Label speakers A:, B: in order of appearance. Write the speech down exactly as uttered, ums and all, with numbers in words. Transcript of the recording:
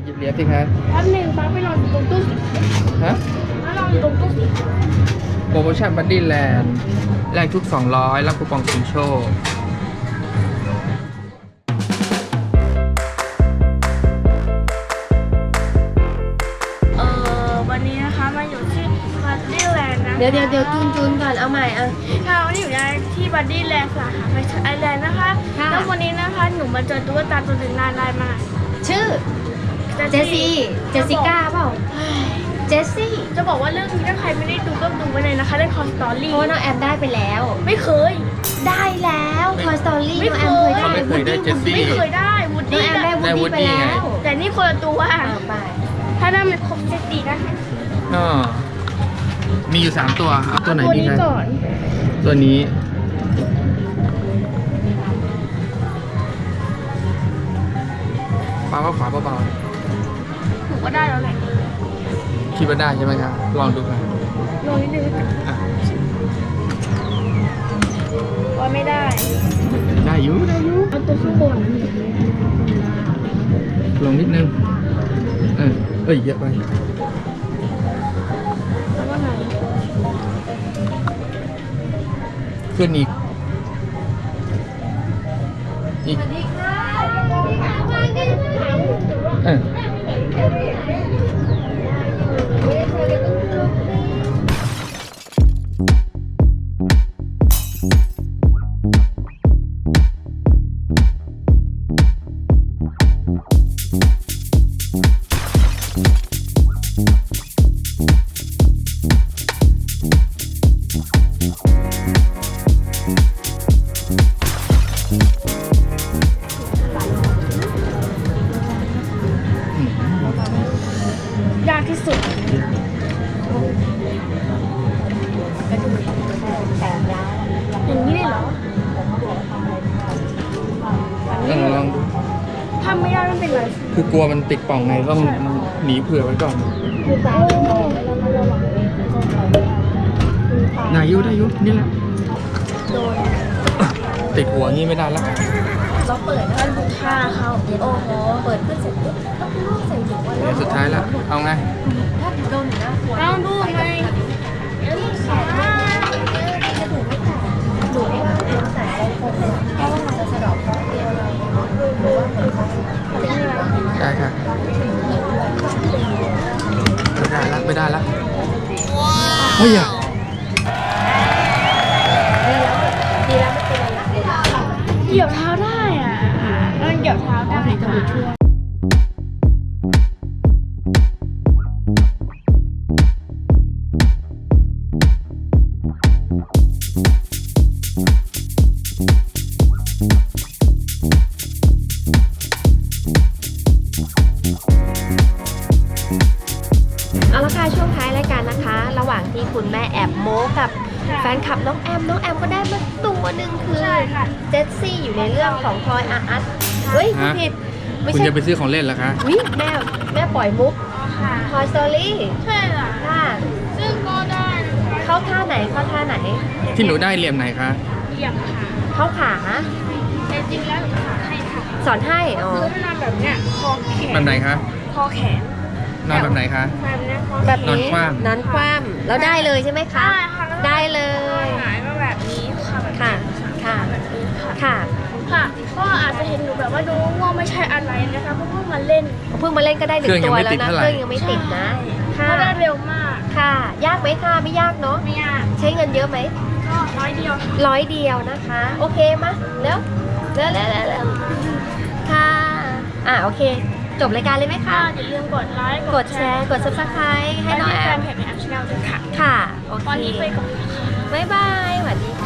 A: ยิบเหรียญสิคะ
B: แป๊บหนึ่งป้าไปรออยู่ตรงตู้สิ
A: ฮะ
B: ป้ารออยู่ตรงตู้สิ
A: โปรโมชั่นบัดดี้แลนด์แลกทุกสองร้อยรับคูปองชิงโชค
B: เอ่อวันนี้นะคะมาอยู่ที่บัดดี้แลนด์นะ
C: เดี๋ยวเดี๋ยวเดี๋ยวจูนจูนก่อนเอาใหม่อ่ะ
B: ค่ะวันนี้อยู่ที่บัดดี้แลนด์สาขาไฟไอแลนด์นะคะ
C: ค่ะ
B: แล้ววันนี้นะคะหนูมาเจอตุ๊กตาตัวหนึ่งน่ารักมาก
C: ชื่อเจสซี่เจสสิก้าเปล่าเจสซี่
B: จะบอกว่าเรื่องนี้ถ้าใครไม่ได้ดูก็ดูไว้เลยนะคะเรื่องคอสตอ
C: เพ
B: รี่
C: ราะว่าน้องแอมได้ไปแล้ว
B: ไม่เคย
C: ได้แล้วคอสตอรี่
B: ไม่
C: น้อง
B: เค
C: แอม
B: ย
C: เคยได้
A: เขาไม่เคยได้เจสซี่
B: ไม่เคยได้วูด
C: น้อง
B: ดี้
C: แอมได้วูดดี้ไปแล้ว
B: แต่นี่คนละตัว
C: เอาไป
B: ถ้าได้มันครบเซตดีนะคะ
A: ก็มีอยู่สามตัว เอาตัวไหน
B: ตัว
A: ดี
B: นี้
A: คะ
B: ก่อน
A: ตัวนี้ปาว่าขวาเบา
B: หนูก็ได้แล้วแหละ
A: ๆคิดว่าได้ใช่ไหมครับลองดูครับ
B: ลงนิดนึง
A: อ่ะ
B: ว่าไม่ได้
A: ได้อยู่ได้อยู่
B: เอาตัวข้างบน
A: ลงนิดนึงเออเอ้ยเยอะไป
B: แล้วว่าไง
A: ขึ้นอีกอีก
C: สวัสดีค่ะสวัสดีค่ะมากันข้างหลัง
A: เออ
C: ไม่ได้เจอกันต้องลุกสิ
B: ยากที่สุด
C: แต่ยาว
B: อย่างนี้เลยเหรอ
A: ลองลองดู
B: ทำไม่ได้ไม่เป็นไร
A: คือกลัวมันติดป่องไงต้องหนีเผื่อไว้ก่อน
B: คือตา
A: ได้อยุได้อยุนี่แหละ
B: โดน
A: ติดหัวงี้ไม่ได้แล้ว
C: เราเปิด
B: ท่านบุกฆ่าเขา
C: โอ้โหเปิดขึ้นเสร็จปุ๊บก็คือลูกใส่ถุงวัน
A: เดี๋ยวสุดท้ายแล้วเอาไง
C: ถ้าโดนหนูนะหัว
B: ลองดูไง
C: จะถูกไม่แตกหนูว่าเป็นสายโคมเพราะว่ามันจะสะดอกเคราะห์เดียวเราหรือว่าเหมือนเขาเขาเรียกอะไร
A: ได้ค่ะไม่ได้ละไม่ได้ละเฮ้ยอะ
C: ดีแล้วไม่เป็นไรละ
B: เหยียบเท้าได้อ่ะเออเหยียบเท้าได้ค่ะ
C: เอาละค่ะช่วงท้ายรายการนะคะ ระหว่างที่คุณแม่แอบโม้กับแฟนคลับน้องแอมน้องแอมก็ได้มาตัวหนึ่งคือ
B: ใช่ค่ะ
C: เจสซี่อยู่ในเรื่องของทอยอาร์อัสเฮ้ยคุณผิดไม่
A: คุณ
C: ใช่
A: จะไปซื้อของเล่นเหรอคะ
C: วิแม่แม่ปล่อยมุก
B: ค่ะ
C: ทอยสตอรี่
B: ใช่ค่ะ
C: ค่ะ
B: ซึ่งก็ได้นะคะ
C: เข้าท่าไหนเข้าท่าไหน
A: ที่หนูได้เหลี่ยมไหนคะ
B: เหยียบขา
C: เข้าขา
B: แต่จริงแล้วหนูขาให้ค่ะ
C: สอนให้อ๋อ
B: คือถ้านอนแบบเนี้ยคอแขน
A: แบบไหนคะ
B: คอแขน
A: นอนแบบไหนคะ
B: แบบเนี้ยคอ
C: แบบ
A: นอน
C: นี้
A: คว่ำ
C: นอนคว่ำแล้วได้เลยใช่ไหมคะ
B: ได้ค่ะแล้ว
C: ได้เลย
B: หายมาแบบนี้ค่ะแบบ
C: ค่ะ
B: นี้
C: ค่ะ
B: แบบนี้ค่ะ
C: ค่ะ
B: ค่ะก็อาจจะเห็นหนูแบบว่าดูง่วงไม่ใช่อะไรนะคะเพราะเพิ่งมาเล่น
C: เพิ่งมาเล่นก็ได้หนึ่งตัวแล้วนะเครื่องยังไม่ติดนะ ค่ะ
B: ก็ได้เร็วมาก
C: ค่ะ ยากไหมคะไม่ยากเนาะ
B: ไม่ยาก
C: ใช้เงินเยอะไหม
B: ก็ร้อยเดียว
C: ร้อยเดียวนะคะ โอเคมะแล้วแล้วแล้วแล้วค่ะอ่ะโอเค จบรายการเลยไหม
B: ค่ะ
C: คะ
B: อย่าลืมกดไลค์
C: กดแชร์กด ซับสไครบ์ให้น้องแอ
B: แฟ
C: ม
B: นเพจในแอปชาแนลด้วยค่ะ
C: ค่ะโอเค
B: ตอนนี้ไปก่อนนะคะ
C: บ๊ายบายสวัสดี